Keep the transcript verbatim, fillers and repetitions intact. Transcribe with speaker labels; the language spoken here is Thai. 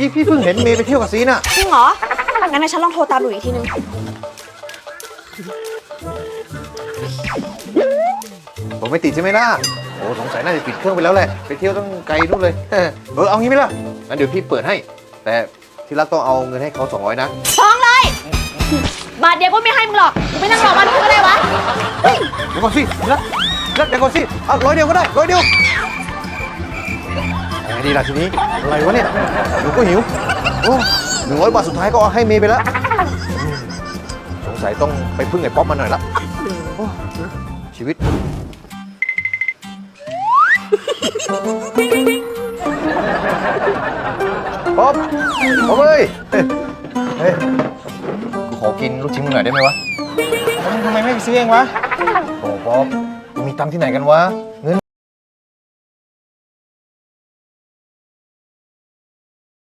Speaker 1: กี้พี่เพิ่งเห็นเมย์ไปเที่ยวกับซีน่ะ
Speaker 2: จริงเหรองั้นฉันลองโทรตามหลุยอีกทีนึง
Speaker 1: ผมไม่ติดใช่ไหมล่ะโอ้สงสัยน่าจะปิดเครื่องไปแล้วแหละไปเที่ยวต้องไกลนู่นเลยเออเอางี้ไหมล่ะงั้นเดี๋ยวพี่เปิดให้แต่ที่รักต้องเอาเงินให้เขาสองร้อยนะ
Speaker 2: ฟ้องเลยบาทเดียวก็ไม่ให้มึงหรอกไม่นั่งรอบ้านมึงก็ได้วะ
Speaker 1: เดี๋ยวก่อนสิรักรักเดี๋ยวก่อนสิเอาร้อยเดียวก็ได้ร้อยเดียวไงดีล่ะทีนี้อะไรวะเนี่ยหนูก็หิวโอ้หนึ่งร้อยบาทสุดท้ายก็เอาให้เมย์ไปแล้วสงสัยต้องไปพึ่งไอ้ป๊อปมาหน่อยละชีวิตป๊อปป๊อปเอ้ยเฮ้ยกูขอกินลูกชิ้นมึงหน่อยได้ไหมวะ
Speaker 3: ทำไมไม่ไปซื้อเองวะ
Speaker 1: โอ้ป๊อปมึงมีตังค์ที่ไหนกันวะ